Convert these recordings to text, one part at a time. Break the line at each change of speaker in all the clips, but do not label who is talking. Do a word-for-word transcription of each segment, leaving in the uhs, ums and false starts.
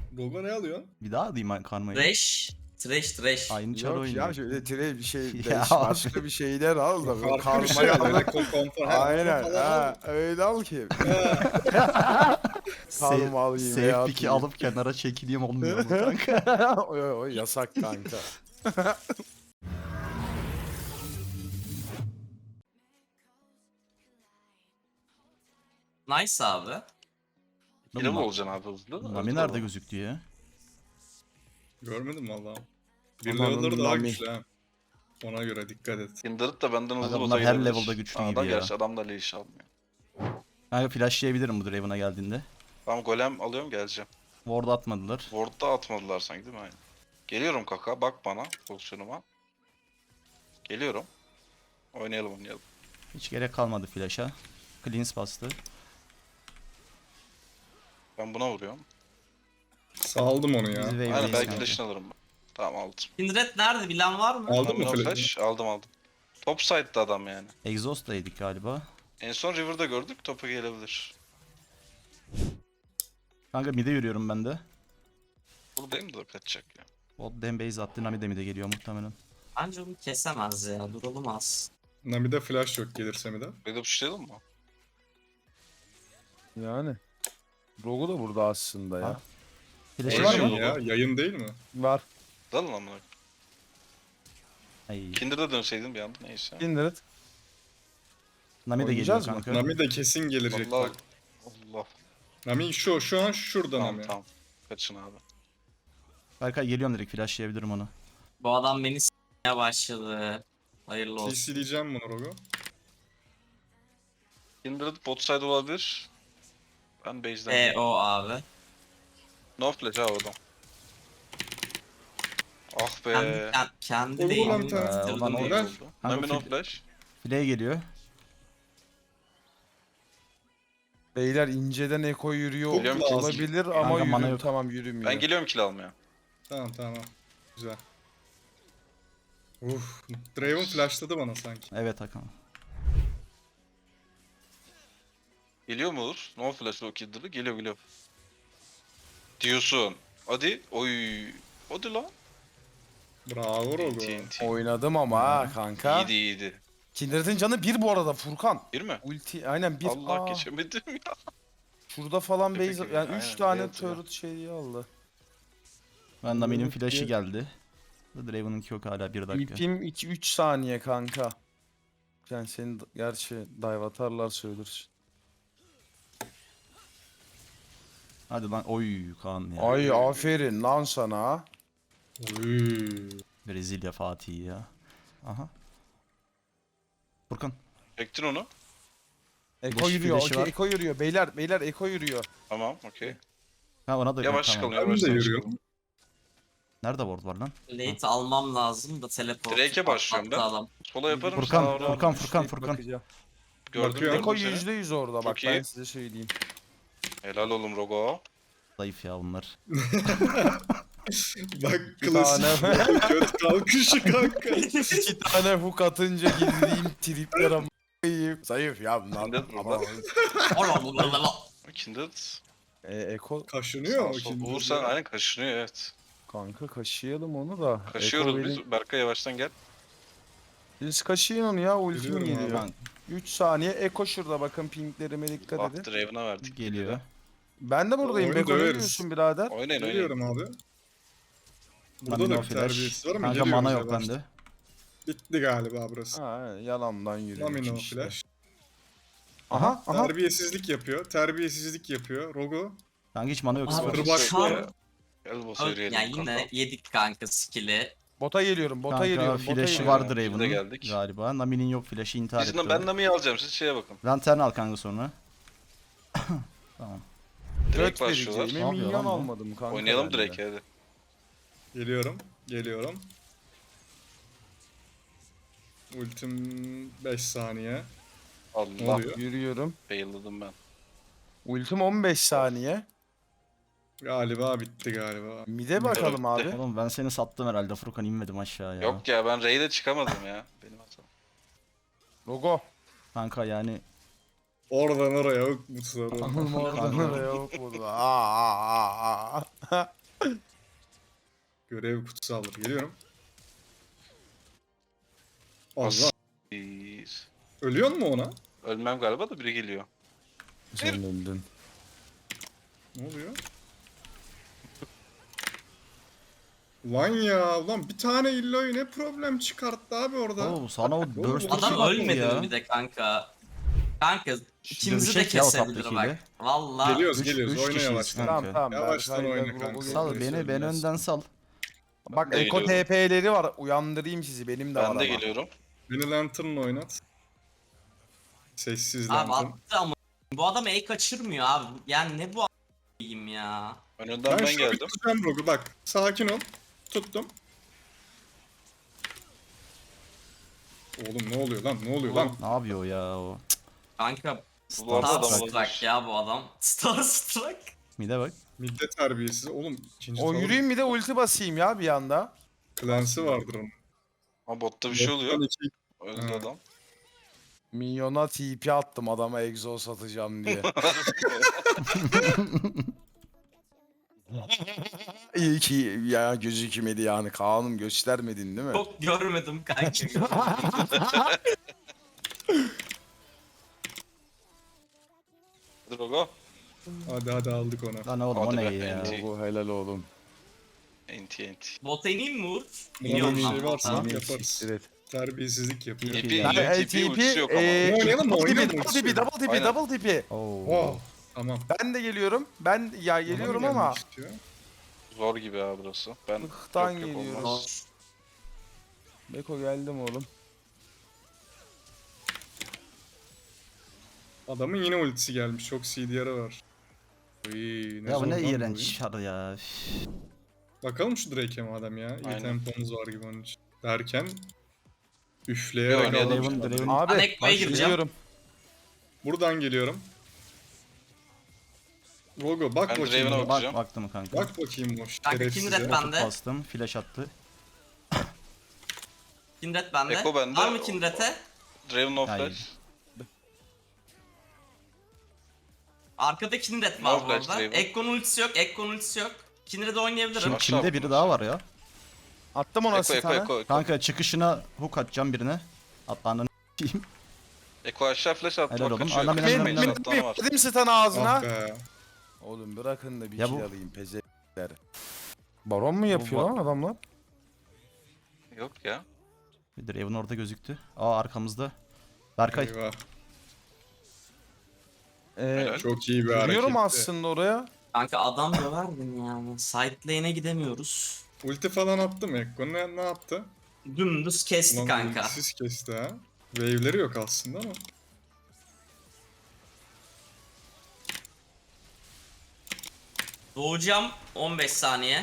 Rogo ne alıyorsun?
Bir daha alayım karmayı.
Trash. Trash trash.
Aynı çar
Yok
oynuyor.
ya şöyle tire bir şey
Ya
beş,
abi.
başka bir şeyler al da böyle
Farklı bir şey
karmayı
al.
al.
Yani konfor.
Aynen ha öyle al ki.
Save,
Kalma alayım
save
veya
pick'i
atayım.
alıp kenara çekileyim olmuyor mu kanka?
o, o yasak kanka.
Nice abi.
Yine mi olacaksın abi hızlı?
Nami nerede gözüktü ya?
Görmedim valla. Bir
Aman
level'ları daha
Nami.
güçlü ha. Ona göre dikkat et.
Kindred da benden hızlı
Aga
bota
bunlar her
gidebilir.
level'da güçlü
Aa,
gibi
da
ya.
gerçi adam da leash almıyor.
Kanka flashlayabilirim bu Draven'a geldiğinde.
Tamam golem alıyorum geleceğim.
Ward atmadılar.
Ward'da atmadılar sanki değil mi? Aynen. Geliyorum kaka bak bana pozisyonuma. Geliyorum. Oynayalım oynayalım.
Hiç gerek kalmadı flash'a. Cleanse bastı.
Ben buna vuruyorum.
Saldım onu
Bizi
ya.
wave'deyiz
Aynen belki
kanka.
flash'ını alırım ben. Tamam aldım.
Kindred nerede bilen var mı?
Aldın mı
Aldım
flash'ı?
flash aldım aldım. Top side'da adam yani.
Exhaust'taydık galiba.
En son River'da gördük topa gelebilir.
Kanka mid'e yürüyorum ben de.
Buradayım da kaçacak ya.
Bot dem base attı. Nami de mid'e geliyor muhtemelen.
Bence onu kesemez ya. Duralım az.
Nami'de flash yok gelirse mi de.
Bir de puşlayalım mı?
Yani. Rogu da burada aslında ya.
Ha. Flash'ı
Şey
var
Yayın
mı?
mı?
ya. Yayın değil mi?
Var.
Dalın amına.
Ay.
Kindred'e dönseydin bir anda neyse.
Kindred.
Nami de geliyor
Oynayacağız mı?
kanka.
Nami de kesin gelecek
Allah
bak.
Allah.
Nami şu şu an şurada
Tamam
Nami.
tamam. Kaçın abi.
Berkay geliyorum direkt flashlayabilirim onu.
Bu adam beni s**meye başladı. Hayırlı olsun.
C C'leyeceğim bunu Rogo.
Kindred bot side olabilir. Ben base'den
E
gidiyorum.
o abi.
No flash abi adam. Ah be.
Kendi, kendi, kendi
Olur
değil.
lan bir tane.
Ee,
Bitirdim
ulan
onu.
olur.
Ver.
oldu.
Kanka
Nami no
fil-
flash.
Flay geliyor.
Beyler inceden eko yürüyor
Geliyorum ki.
olabilir ama
Kanka, mana
yürüm
yok.
tamam yürümüyor.
Ben geliyorum kill almaya.
Tamam tamam. Güzel. Uf, Draven flashladı bana sanki.
Evet Hakan.
Geliyor mu olur? No flash o Kindred'ı. Geliyor geliyor. Diyorsun. Hadi. Oy. Hadi lan.
Bravo Rogo.
T N T.
Oynadım ama ha kanka.
İyiydi iyiydi.
Kindred'in canı bir bu arada Furkan.
Bir mi?
Ulti aynen bir.
Allah
Aa,
geçemedim ya.
şurada falan
Tepe
base
gibi,
yani
aynen,
üç tane
beyaz ya.
turret şeyi aldı.
Ben Nami'nin
Evet,
flash'ı
evet.
geldi. Draven'ınki yok hala bir dakika.
İpim iki üç saniye kanka. Yani senin d- gerçi dive atarlar söylersin.
Hadi lan oy Kaan ya.
Ay aferin lan sana.
Uy.
Brezilya Fatih ya. Aha. Furkan.
Çektin onu.
Eko
Flash-
yürüyor.
flash'ı
Okey
var.
Eko yürüyor. Beyler beyler Eko yürüyor.
Tamam okey.
Ha ona da
Yavaş
tamam.
çıkalım
Ben
yavaş
de
çıkalım.
yürüyorum.
Nerede ward var lan?
Late almam lazım da teleport.
Drake'e başlıyorum ben.
patlattı adam.
Sola yaparım.
Furkan,
sağa uğrarım.
Furkan, Furkan,
Bekleyip
Furkan.
bakacağım.
Gördüm
Bakıyorum.
Eko
gördüm seni.
yüzde yüz orada bak
Çok
ben
iyi.
size söyleyeyim.
Helal oğlum Rogo.
Zayıf ya bunlar.
Bak
Bir
klasik
tane.
göt kalkışı kanka.
İki tane hook atınca girdiğim triplere m***yim. Zayıf ya bunlar.
Kindred
Ama-
burada.
Oğlum bu kadar lan.
Kindred.
E, Eko
Kaşınıyor mu
Sağ sol.
şimdi?
Uğur sen aynen kaşınıyor evet.
kanka kaşıyalım onu da.
Kaşıyoruz
Eko
biz.
benim-
Berkay yavaştan gel.
Biz kaşıyın onu ya ultim
Yürüyorum abi.
geliyor.
Ben
üç saniye Eko şurada bakın pinglerime dikkat
Bak
edin.
Draven'a verdik.
geliyor.
Ben de buradayım.
Oyunu
Beko ne
döveriz.
diyorsun birader?
Oynayın oynayın.
Geliyorum abi. Burada
Nami
da
no
bir
flash.
terbiyesiz var ama
Kanka
geliyoruz
mana yok
yavaştan.
bende.
Bitti galiba burası.
Ha, yalandan yürüyor.
Nami no
işte.
flash.
Aha aha.
Terbiyesizlik yapıyor. Terbiyesizlik yapıyor. Rogo.
Kanka hiç mana yok.
Abi,
sıfır.
Kırbaç
şu an-
Gel boss'a
Ya
yürüyelim
yine
kanka.
yedik kanka skill'i.
Bota geliyorum. Bota
Kanka
geliyorum. Bota
flash'ı
geliyorum.
var
Biz de
Draven'ın
geldik.
galiba. Nami'nin yok flash'ı intihar
Biz
etti.
de, ben Nami'yi alacağım siz şeye bakın.
Lantern al kanka sonra. Tamam.
Direkt
Göt
başlıyorlar.
vereceğime
Ne yapıyor
minyon
lan bu?
almadım kanka.
Oynayalım
ben de.
direkt hadi.
Geliyorum. Geliyorum. Ultim beş saniye. Ne
Allah.
oluyor?
Yürüyorum.
Fail'ladım ben.
Ultim on beş saniye.
Galiba bitti galiba.
Mide bakalım abi.
Oğlum ben seni sattım herhalde Furkan inmedim aşağıya.
Yok ya ben raid'e çıkamadım ya. Benim hatam.
Logo.
Kanka yani
Oradan oraya yok bu soru.
Oradan oraya yok burada. Aa, aa, aa, aa.
Görev kutsaldır. Geliyorum. Allah.
As- Biz-
Ölüyor mu ona?
Ölmem galiba da biri geliyor.
Sen öldün.
Ne oluyor? Lan ya, ulan bir tane illoyu ne problem çıkarttı abi orada.
Oo, sana o burst
Adam
Adam
şey yaptı
ölmedi
ya.
mi bir de kanka? Kanka ikimizi de
dövüşecek ya o
kesebilir
taptakiyle.
bak. Valla.
Geliyoruz
üç-
geliyoruz,
üç
oyna
kişiyiz
yavaştan.
kanka.
Tamam tamam.
Yavaştan
Berkay'la
oyna
Robo
kanka.
gelecek.
Sal beni, beni
Söyleyeceğiz.
önden sal.
Bak
Ben de
Eko
geliyorum.
T P'leri var. Uyandırayım sizi. Benim de var
Ben de
ama.
geliyorum.
Beni Lantern'la oynat. Sessiz
Abi
Lantern.
attı ama. Bu adam el kaçırmıyor abi. Yani ne bu a**ayım ya.
Önünden
Ben,
ben,
şunu bir
geldim.
tutacağım Rogu, bak. Sakin ol. Tuttum. Oğlum ne oluyor lan, ne oluyor lan?
Ne yapıyor ya o?
Kanka
Bu arada adam
Starstruck
olmuş.
ya bu adam. Starstruck.
Mide bak.
Midde terbiyesiz. Oğlum ikinci
O
tavır
yürüyeyim bir de ulti basayım ya bir anda.
Clancy vardır onun.
Ama botta bir şey oluyor.
Bottan iki-
Öldü
Ha.
adam.
Minyona T P attım adama egzoz atacağım diye. İyi ki ya gözükmedi yani Kaan'ım göstermedin değil mi?
Çok görmedim kanka.
Hadi Rogo.
Hadi hadi aldık onu.
Lan oğlum o
Hadi
ne
be,
ya?
enti.
Bu helal oğlum.
Enti enti.
Bota ineyim mi Uğur?
Buna
İniyorum
bir
lan
şey varsa
bota.
yaparız.
Siktir et.
Terbiyesizlik yapıyor.
İyi.
T P,
Yani
T
Ben
P ultisi yok ama.
eee,
Oynayalım mı,
double
oynayalım
TP,
mı?
double TP, double TP,
Aynen.
double TP.
Oo.
Wow. Tamam.
Ben de geliyorum. Ben ya geliyorum
Bana mı
ama
gelmek istiyor?
Zor gibi ya burası. Ben
Hıhtan
yok, yok,
geliyoruz.
olmaz.
Beko geldim oğlum.
Adamın yine ultisi gelmiş. Çok C D R'ı var. Uy, ne
Ya bu
zor
ne
lan bu
iğrenç
oyun.
şar ya. Üf.
Bakalım şu Drake'e madem ya. İyi
Aynen.
tempomuz var gibi onun için. Derken
Bir
üfleyerek
oynayalım.
aldım.
Draven, Draven.
Abi
Ben Ekko'ya
bak,
gireceğim.
geliyorum.
Buradan geliyorum. Rogo bak
Ben
bakayım.
Draven'a
buna.
Bak
bakacağım.
baktım kanka.
Bak bakayım o
Kanka
şerefsize.
Kindred bende.
Bastım, flash attı.
Kindred bende.
Eko bende.
Var mı Kindred'e?
Draven of
Hayır.
Flash.
Arkada Kindred var
No
bu
flash
arada.
Draven.
Ekko'nun ultisi yok. Ekko'nun ultisi yok. Kindred'e oynayabilirim.
Şimdi
Aşağı
kimde biri
atmış.
daha var ya.
Attım ona
Eko
size
Eko
tane.
Eko Eko.
Kanka çıkışına hook atacağım birine. Atlanın diyeyim.
Eko aşağı flash attı.
Helal
Bak
oğlum.
kaçıyor.
Adam
Kaçıyor.
benim
Min
önümden
min
Atlanı var.
min dedim size tane ağzına.
Ah be.
Oğlum bırakın da bir
Ya
kill
bu-
alayım pezekler. Baron mu yapıyor
Bu-
lan adamlar?
Yok ya.
Bir Draven orada gözüktü. Aa arkamızda. Berkay.
Eyvah.
Ee,
Helal.
Çok iyi bir hareketti.
Yürüyorum aslında oraya.
Kanka adam döverdim yani. Side lane'e gidemiyoruz.
Ulti falan attı mı Ekko? Ne, ne yaptı?
Dümdüz kesti
Ulan
kanka.
ultisiz kesti ha. Wave'leri yok aslında ama.
Doğacağım on beş saniye.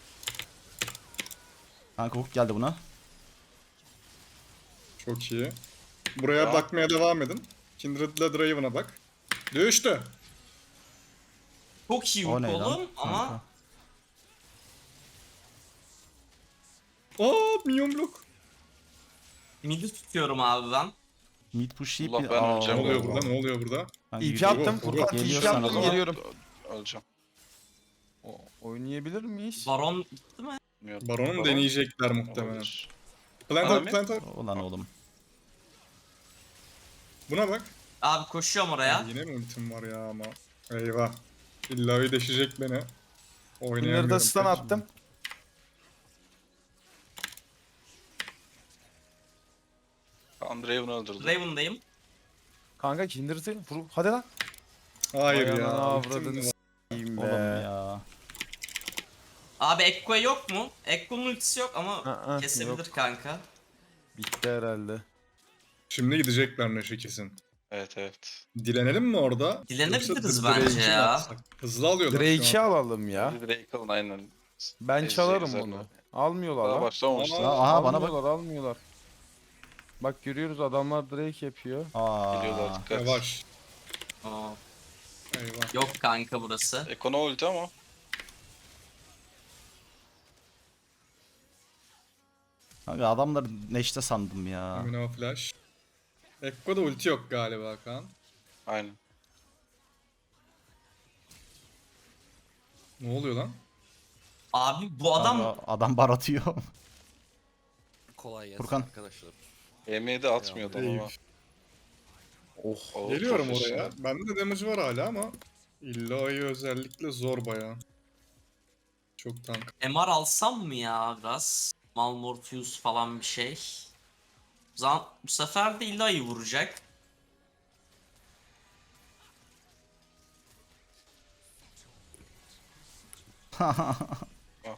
Kanka hook geldi buna.
Çok iyi. Buraya
Ya.
bakmaya devam edin. Kindred'le Draven'a bak. Düştü.
Çok iyi
O
hook
ne lan?
oğlum ama
Kanka.
Aa, minyon blok.
midi tutuyorum abi ben.
Mid push yiyip
Allah,
bir...
ben
Aa,
Ne
öleceğim
oluyor
galiba.
burada? Ne oluyor burada?
kanka
İpi
yürü.
attım.
Rogo,
Furkan
geliyorsan
ipi
o
attım
zaman.
geliyorum.
Öleceğim.
O- Oynayabilir miyiz?
Baron gitti mi?
Bilmiyorum.
Baron'u
Baron
deneyecekler muhtemelen.
olabilir.
Plant
Bana
up,
mı?
plant up.
Ulan oğlum.
Buna bak.
Abi koşuyorum oraya.
Yine mi ultim var ya ama. Eyvah. İlla deşecek beni. Oynayamıyorum.
Bunları da stun attım.
Kaan Draven'ı öldürdü.
Raven'dayım.
Kanka Kindred'i vur. Hadi lan.
Hayır
Vay
ya.
anana
ultim
avradını
var.
s**eyim be.
Oğlum ya.
Abi Ekko'ya yok mu? Ekko'nun ultisi yok ama
Aa,
kesebilir
yok.
kanka.
Bitti herhalde.
Şimdi gidecekler Neşe kesin.
Evet evet.
Dilenelim mi orada?
Dilenebiliriz
Yoksa
bence
Drake'i mi
ya.
atsak? Hızlı alıyorlar şu
Drake'i
an.
alalım ya.
Bir Drake alın aynen.
Ben
Ezecek
çalarım
zaten.
onu. Almıyorlar
Daha
lan.
başlamamışlar.
Ama-
Aha bana bak.
Almıyorlar almıyorlar. Bak görüyoruz adamlar Drake yapıyor.
Aa.
Geliyorlar dikkat.
Yavaş.
Aa,
Eyvah.
yok kanka burası.
Ekono ulti ama.
Kanka adamlar neşte sandım ya.
Amino flash. Ekko'da ulti yok galiba Kaan.
Aynen.
Ne oluyor lan?
Abi bu adam
Kanka, adam bar atıyor.
Kolay gelsin
Furkan.
arkadaşlar.
E M'yi de atmıyordu ama.
Eyüp.
Oh.
O
Geliyorum
profesyonel.
oraya. Bende de damage var hala ama Illa'yı özellikle zor bayağı. Çok tank.
M R alsam mı ya biraz? Malmortius falan bir şey. O zaman bu sefer de Illa'yı vuracak.
Ah be.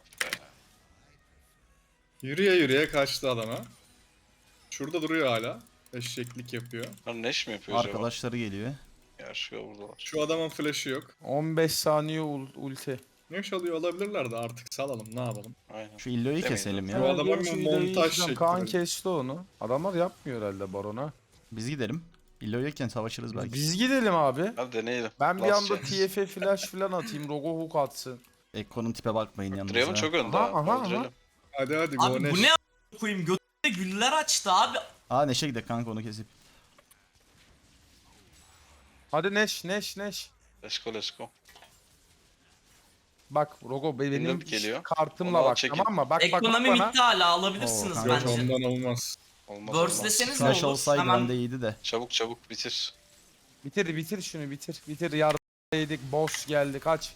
Yürüye yürüye kaçtı adama. Şurada duruyor hala. Eşeklik yapıyor.
Lan Neş mi yapıyor acaba?
Arkadaşları geliyor.
Yaşıyor buradalar.
Şu adamın flash'ı yok.
on beş saniye ul- ulti.
Ne çalıyor olabilirler de artık salalım ne yapalım.
Aynen.
Şu illoyu
Demeyin
keselim
Bu
ya.
Evet,
adama
gerçi
bir
ileri
montaj
gideceğim.
şekli
Kaan
verin.
kesti onu. Adamlar yapmıyor herhalde barona.
Biz gidelim. İlloyu yokken savaşırız belki.
Biz gidelim abi.
Hadi deneyelim.
Ben bir
Last
anda
chance.
T F flash falan atayım. Rogo hook atsın.
Ekko'nun tipe bakmayın
Draven
yanınıza.
çok önde
Aha,
ha.
aha, aha.
Öldürelim.
Hadi hadi
Abi
go Neş.
bu ne a- koyayım götüne güller açtı abi.
Aa Neşe gidelim kanka onu kesip.
Hadi Neş Neş Neş.
Let's go let's go.
Bak Rogo be- benim
Windows geliyor.
kartımla
Onu al,
bak
çekil.
tamam mı? Bak bak, bak
Ekonomi
bana.
bitti hala alabilirsiniz
Oo,
Yok
bence.
ondan olmaz.
Olmaz
Burst'leseniz ne
Flash
olur?
olsaydı
Hemen
bende iyiydi de.
Çabuk çabuk bitir.
Bitir bitir şunu bitir. Bitir yardım yedik. Boss geldi kaç.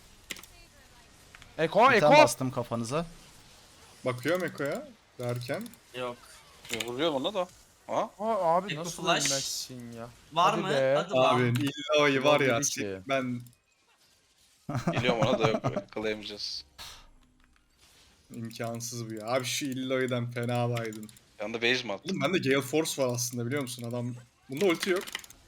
Eko
Bir
Eko.
tane bastım kafanıza.
Bakıyorum Eko'ya derken.
yok.
Vuruyor ona da. Aha.
Aa, abi
Eko
nasıl
flash.
ölmezsin ya?
Var
Hadi
mı?
be.
Hadi lan.
Abi Illa'yı var ya
Dedi ki.
ben
Geliyorum ona da yok böyle. Kılayamayacağız.
imkansız bu ya. Abi şu Illa'yıdan fena baydın.
Yanında base mi attı?
Oğlum bende Gale Force var aslında biliyor musun adam. Bunda ulti yok.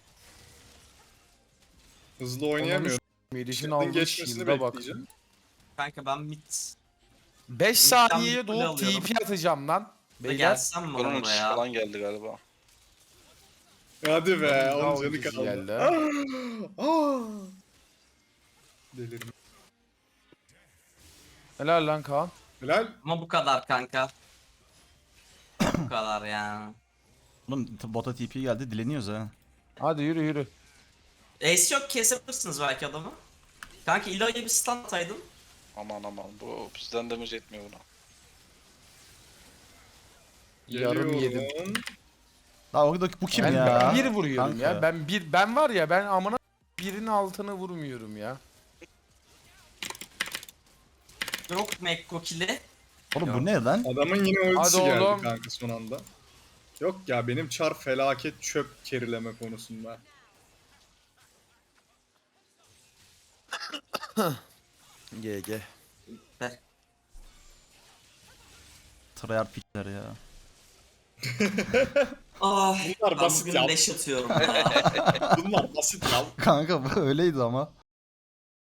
Hızlı oynayamıyor.
Herifin
Shield'in
aldığı
geçmesini
shield'a bak.
bekleyeceğim.
Kanka ben mid.
beş
İlkten
saniyeye
bir kule
doğup
alıyorum.
T P atacağım lan.
Ve
Beyler.
gelsem mi
Bunun uçuş
oraya?
falan geldi galiba.
Hadi be
Daha
onun canı
ucuz
kaldı.
geldi.
Ah! Ah! Delirim.
Helal lan Kaan.
Helal.
Ama bu kadar kanka. Bu kadar yani.
Oğlum t- bota T P geldi dileniyoruz ha.
Hadi yürü yürü.
Ace yok kesebilirsiniz belki adamı. Kanka Illa'ya bir stun ataydın.
Aman aman bu bizden damage etmiyor buna.
Yarım yedim.
Geliyorum.
Daha o bu kim
Ben,
ya?
ben bir vuruyorum
Kanka.
ya. Ben bir ben var ya ben amına birinin altını vurmuyorum ya.
Yok Mekko kill'i.
Oğlum bu ne lan?
Adamın yine ultisi
Hadi
geldi
oğlum.
kanka son anda. Yok ya benim çar felaket çöp kerileme konusunda.
G G.
Ver.
Tryhard piçler ya.
Ah,
Bunlar
ben
basit
bugün
ya.
leş atıyorum ya.
Bunlar basit ya.
Kanka bu öyleydi ama.